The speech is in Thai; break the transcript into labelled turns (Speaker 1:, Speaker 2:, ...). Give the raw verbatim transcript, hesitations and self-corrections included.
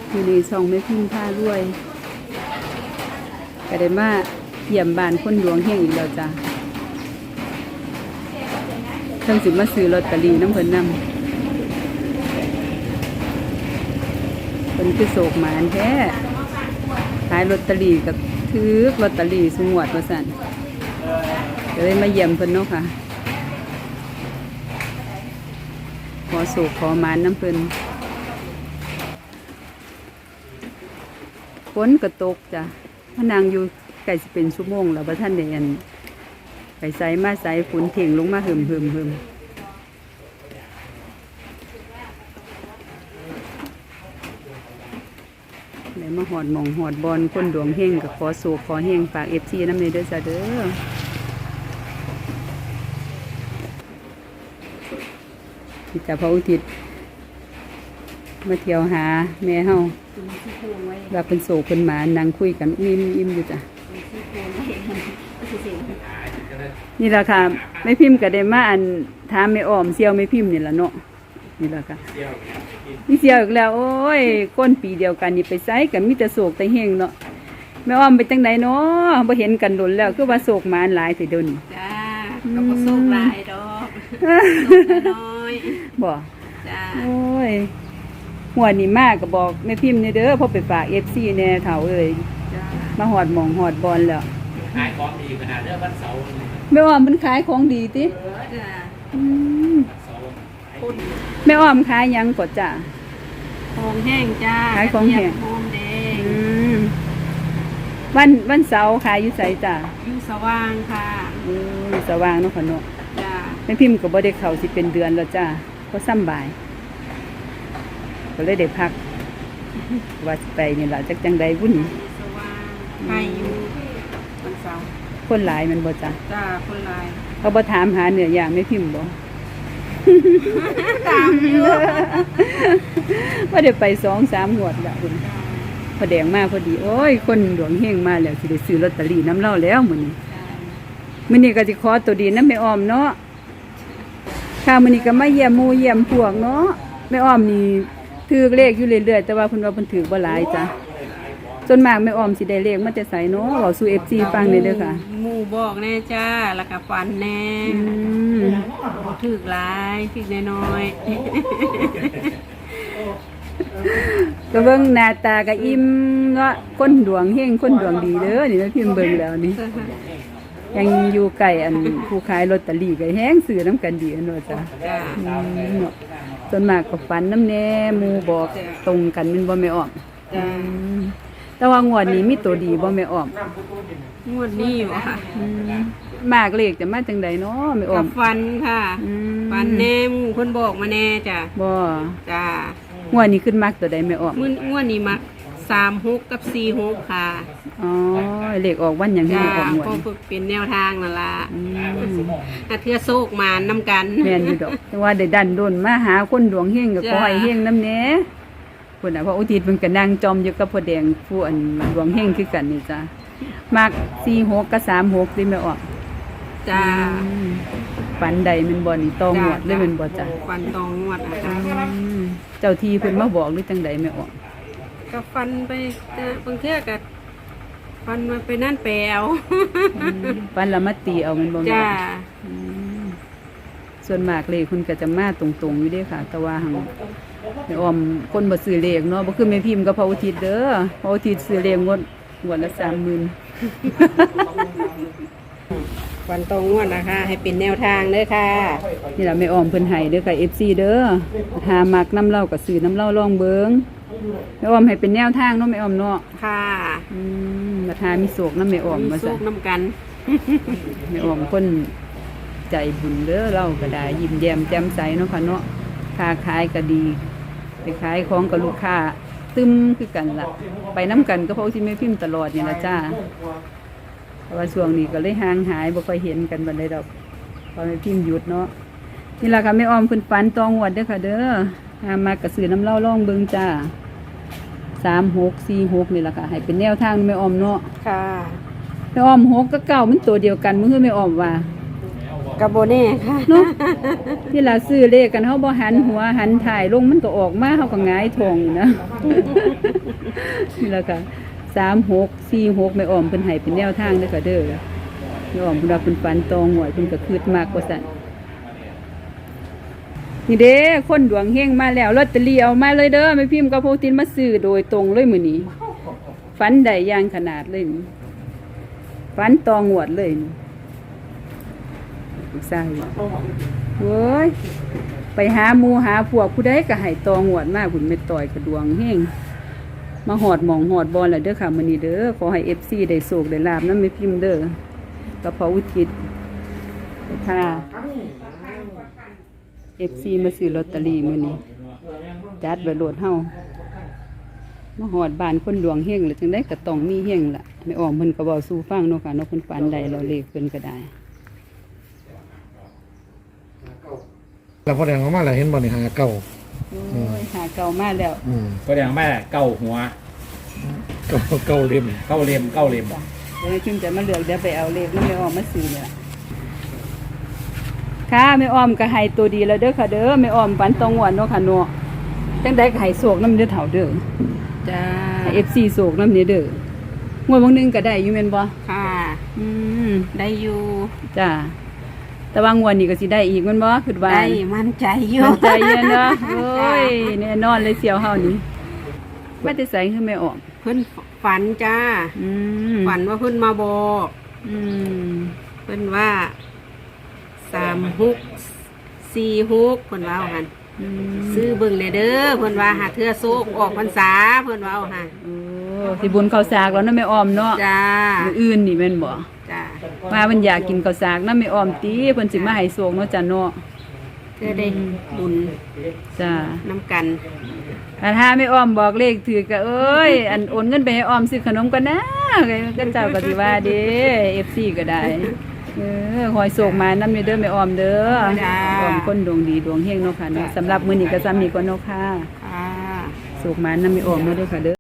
Speaker 1: อยู่ในช่องแม่พิมพ์ผ้ารวยก็ได้มาเยี่ยมบ้านคนหลวงเฮงอีกแล้วจ้ะเพิ่งสิมาซื้อลอตเตอรี่น้ำเพิ่นนำเพิ่นคือโศกหมานแท้ขายลอตเตอรี่กับถือลอตเตอรี่สงวดว่าซั่นก็เลยมาเยี่ยมเพิ่นเนาะค่ะขอโศกขอหมานน้ำเพิ่นฝนก็ตกจ้ะพนางอยู่ไก่สิเป็นชั่วโมงแล้วพระท่านเดียนไปใส่มาใส่ฝนเถ่งลงมาหึมหึมหึมเลยมาหอดหมองหอดบอลคนดวงเฮงกับขอโศกขอเฮงฝากเอฟซีน้ำเนยเด้อจ้ะเด้อที่จะพระอุทิศมาเที่ยวหาแม่เฮาว่าเป็นโศกเป็นหมานั่งคุยกันอิ่มอิ่มอยู่จ้ะนี่แหละค่ะไม่พิมพ์ก็ได้มาอันถามไม่อ้อมเซียวไม่พิมพ์นี่แหละเนาะนี่แหละค่ะนี่เซียวอีกแล้วโอ้ยก้นปีเดียวกันนี่ไปไซกันมีแต่โศกแต่เฮงเนาะไม่อ้อมไปจังไหนเนาะบ่เห็นกันโดนแล้วคือว่าโศกหมาหลายสิเดี๋ยวนี้
Speaker 2: จ้าก็บ่โศกหลายดอกน้อย
Speaker 1: บ่
Speaker 2: จ้า
Speaker 1: โอ้ยหัวนี่มากก็บอกแม่พิมพ์นี่เด้อพอไปฝากเอฟซีแน่เฒ่าเอ้ยมาหอดหมองหอดบอลแล้ว
Speaker 3: ขายของดีขนาดเด้อวันเสาร์
Speaker 1: แม่อ้อมมันขายของดีติ
Speaker 2: จ้า
Speaker 1: แม่อ้อมขายยังกดจ้ะ
Speaker 2: ของแห้งจ้า
Speaker 1: ขายของแห้ง
Speaker 2: หอมแดง
Speaker 1: วันวันเสาร์ขายอยู่ไสจ้ะ
Speaker 2: อยู่สว่างค่ะ
Speaker 1: อือสว่างเนาะค่ะเนาะ
Speaker 2: จ้า
Speaker 1: แม่พิมพ์ก็บ่ได้เข้าสิเป็นเดือนแล้วจ้าเพราะซ้ำบ่ายก็เลยได้พักว่าสิไปนี่ล่ะจักจังใดวุ่น
Speaker 2: สว่างไปอยู่วันเสาร์
Speaker 1: คนหลายมันบ่จ้ะ
Speaker 2: จ้าคนหลาย
Speaker 1: เขาบ่ถามหาเนื้อย่างแม่พิมพ์บ่
Speaker 2: ตามอยู่
Speaker 1: ว่าเดี๋ยวไปสองสามงวดแล้วคุณพอแดงมาพอดีโอ้ยคนหลวงเฮงมาแล้วสิได้ซื้อลอตเตอรี่น้ำเล่าแล้วมื้อนี้มื้อนี้ก็สิขอตัวดีนำแม่อ้อมเนาะค่ะมื้อนี้ก็มาเยี่ยมหมู่เยี่ยมพวกเนาะแม่อ้อมนี่ถือเลขอยู่เรื่อยๆแต่ว่าเพิ่นว่าเพิ่นถือบ่หลายจ้ะส่วนมากแม่อ้อมสิได้เลขมาแต่ไสเนาะเว้าสู่ เอฟ ซี ฟังได้เด้อค่ะ
Speaker 2: หมู่บอกแน่จ้าแล้วก็ฝันแน่
Speaker 1: อืม
Speaker 2: บ่ถูกหลายถูกน้อย
Speaker 1: ๆก็เบิ่งหน้าตาก็อิ่มเนาะคนดวงเฮงคนดวงดีเด้อนี่แม่พิมพ์เบิ่งแล้วนี่ยังอยู่ใกล้อันผู้ขายลอตเตอรี่ก็แฮงซื้อนํกันดีเนาะจ้ะ
Speaker 2: จ้า
Speaker 1: เนาะส่วนมากก็ฝันน้ำแน่หมู่บอกตรงกันมันบ่แม่อ้อม
Speaker 2: จ้า
Speaker 1: แต่ว่างวดนี้มีตัวดีบ่แม่อ้อม
Speaker 2: งวดนี้อยู่ค่ะ
Speaker 1: มากเลขจะมาจังใดเนาะแม่อ้อม
Speaker 2: ฟันค่ะฟันแน่หมู่คนบอกมาแน่จ้ะ
Speaker 1: บ่
Speaker 2: จ้
Speaker 1: างวดนี้ขึ้นมักตัวใดแม่อ้อม
Speaker 2: มื้องวดนี้มักสามหกกับสี่หกค่ะ
Speaker 1: อ๋อเลขออกวันหยังให้ออกงวด
Speaker 2: ก็ฝึกเป็นแนวทางนั่นล่ะถ้าเทื่อโชคมานำกัน
Speaker 1: แม่นอยู่ดอกแต่ว่าได้ดันโดนมาหาคนดวงเฮงก็ขอให้เฮงนำแหน่พุ่นน่ะเพราะอุทิศเพิ่นก็นั่งจอมอยู่กับพ่อแดงผู้อันดวงเฮงคือกันนี่จ้ะมักสี่หกกับสามหกสิแม่อ้อม
Speaker 2: จ้า
Speaker 1: ฝันใดมันบ่นี่ตองวดเลยมันบ่จ้ะ
Speaker 2: ฝันตองวดนะคะ
Speaker 1: เจ้าที่เพิ่นมาบอกหรือจังใดแม่อ้อม
Speaker 2: ก็ฟันไปบางเทื่อก็ฟันมาไปนั่นแปลว
Speaker 1: ฟันละมาตีเอามันบ่แม่
Speaker 2: จ้า
Speaker 1: ส่วนมากเลขคุณก็จะมาตรงๆอยู่เด้ค่ะแต่ว่าหังแม่อ้อมคนบ่ซื้อเลขเนาะบ่คือแม่พิมพ์กับพระอุทิศเด้อพระอุทิศซื้อเลขงวดงวดละ สามหมื่น
Speaker 2: ฟันตรงงวดนะคะให้เป็นแนวทางเด้อค่ะ
Speaker 1: นี่ล่ะแม่อ้อมเพิ่นให้เด้อค่ะ เอฟ ซี เด้อหามักน้ำเหล้าก็ซื้อน้ำเหล้าลองเบิ่งแม่อ้อมให้เป็นแนวทางเนาะแม่อ้อมเนาะ
Speaker 2: ค่ะ
Speaker 1: อืมราคามีโศกนำแม่อ้อมว่า
Speaker 2: ซั่นมีโศกนำกัน
Speaker 1: แม่อ้อมคนใจบุญเด้อเราก็ได้ยิ้มแย้มแจ่มใสเนาะค่ะเนาะค้าขายก็ดีไปขายของกับลูกค้าตึมคือกันล่ะไปน้ำกันก็เพราะที่แม่พิมพ์ตลอดนี่ล่ะจ้าเพราะว่าช่วงนี้ก็เลยห่างหายบ่ค่อยเห็นกันบัดใดดอกพอแม่พิมพ์หยุดเนาะนี่ล่ะค่ะแม่อ้อมเพิ่นฝันตองวดเด้อค่ะเด้อหามากระสือน้ำเหล้าล่องเบิ่งจ้าสามหกสี่หกนี่ล่ะค่ะให้เป็นแนวทางแม่อ้อมเนาะ
Speaker 2: ค่ะ
Speaker 1: แม่อ้อมหกกับเก้ามันตัวเดียวกันมื้อแม่อ้อมว่า
Speaker 2: กับโบเน่ค่ะ
Speaker 1: เนาะที่เราซื้อเลขกันเฮาบ่หันหัวหันถ่ายลงมันก็ออกมาเฮาก็หงายท้องอยู่นะ นี่แล้วก็สามหก สี่หกแม่อ้อมเพิ่นให้เป็นแนวทางเด้อค่ะเด้อแม่อ้อมเพิ่นว่าเพิ่นฝันตองหวยเพิ่นก็คืดมากกว่าซั่นนี่เด้คนดวงเฮงมาแล้วลอตเตอรี่เอามาเลยเด้อแม่พิมพ์กับโพตินมาซื้อโดยตรงเลยมื้อนี้ฝันได้อย่างขนาดเลยนี่ฝันตองหวดเลยนี่ลูกชายโว้ยไปหาหมู่หาพวกผู้ใดก็ให้ตองหวดมาพุ่นแม่ต่อยก็ดวงเฮงมาหอดหมองหอดบอลแล้วเด้อค่ะมื้อนี้เด้อขอให้ เอฟ ซี ได้โชคได้ลาบนำแม่พิมพ์เด้อกับพออุทิศค่ะ เอฟ ซี มาซื้อลอตเตอรี่มื้อนี้จัดไว้โลดเฮามาฮอดบ้านคนดวงเฮงแล้วจังได๋ก็ต้องมีเฮงล่ะแม่อ้อมเพิ่นก็เว้าสู่ฟังเนาะค่ะเนาะเพิ่นฝันได้แล้วเลขเพิ่นก็ได้
Speaker 4: แล้วพอแดงออกมาแล้วเห็นบ่นี่หาเก่า
Speaker 1: โอ้ยหาเก่ามาแล้ว
Speaker 4: อืม
Speaker 3: ก็แดงแม่เก้าหัว
Speaker 4: เก่าเก่าเล่ม
Speaker 3: เก้าเลียมเก้าเลียม
Speaker 1: เดี๋ยวชิมจะมาเลือกเดี๋ยวไปเอาเลขแล้วแม่อ้อมมาซื้อนี่ล่ะค่ะแม่อ้อมก็ให้ตัวดีแล้วเด้อค่ะเด้อแม่อ้อมฝันตองหวนเนาะค่ะเนาะจังได๋ก็ให้โชคนำเด้อเฒ่าเด้อ
Speaker 2: จ้า
Speaker 1: ให้ เอฟ ซี โชคนำเด้อเด้องวดบางนึงก็ได้อยู่แม่นบ่
Speaker 2: ค่ะ
Speaker 1: อืม
Speaker 2: ได้อยู่
Speaker 1: จ้าแต่ว่างวดนี้ก็สิได้อีกแมันบ่คิดว่า
Speaker 2: ได้มั่นใจอยู่
Speaker 1: มั่นใจเย็นเนาะโอ้ยแน่นอนเลยเสียวเฮานี่ว่าจะใส่คือไม่ออก
Speaker 2: เพิ่นฝันจ้า
Speaker 1: อืม
Speaker 2: ฝันว่าเพิ่นมาบอก
Speaker 1: อืม
Speaker 2: เพิ่นว่าสามหกสี่หกเพิ่นว่าเอาหัน
Speaker 1: อืม
Speaker 2: ซื้อเบิ่งเลยเด้อเพิ่นว่าหาเทื่อโซกออกพรรษาเพิ่นว่าเอาหัน
Speaker 1: โอ้สิบุญข้าวสากแล้วเนาะแม่อ้อมเนาะ
Speaker 2: จ้า
Speaker 1: มื้ออื่นนี่แม่นบ่
Speaker 2: จ้า
Speaker 1: ว่ามันอยากกินข้าวสากนำแม่อ้อมติเพิ่นสิมาให้โชคเนาะจ้ะเนาะ
Speaker 2: เพื่อได้บุญ
Speaker 1: จ้า
Speaker 2: น้ำกัน
Speaker 1: อันถ้าแม่อ้อมบอกเลขถือก็เอ้ยอันโอนเงินไปให้อ้อมซื้อขนมกันนะก็เจ้าก็สิว่าเด้ เอฟ ซี ก็ได้ เออคอยโศกมานำเด้อแม่ออมเด้อ
Speaker 2: จ้า
Speaker 1: ออมคนดวงดีดวงเฮงเนาะค่ะเนาะสำหรับมื้อนี้ก็ซ้ำนี้ก่อนเนาะค่ะ
Speaker 2: ค่ะ
Speaker 1: โศกมานำแม่ออมเนาะเด้อค่ะเด้อ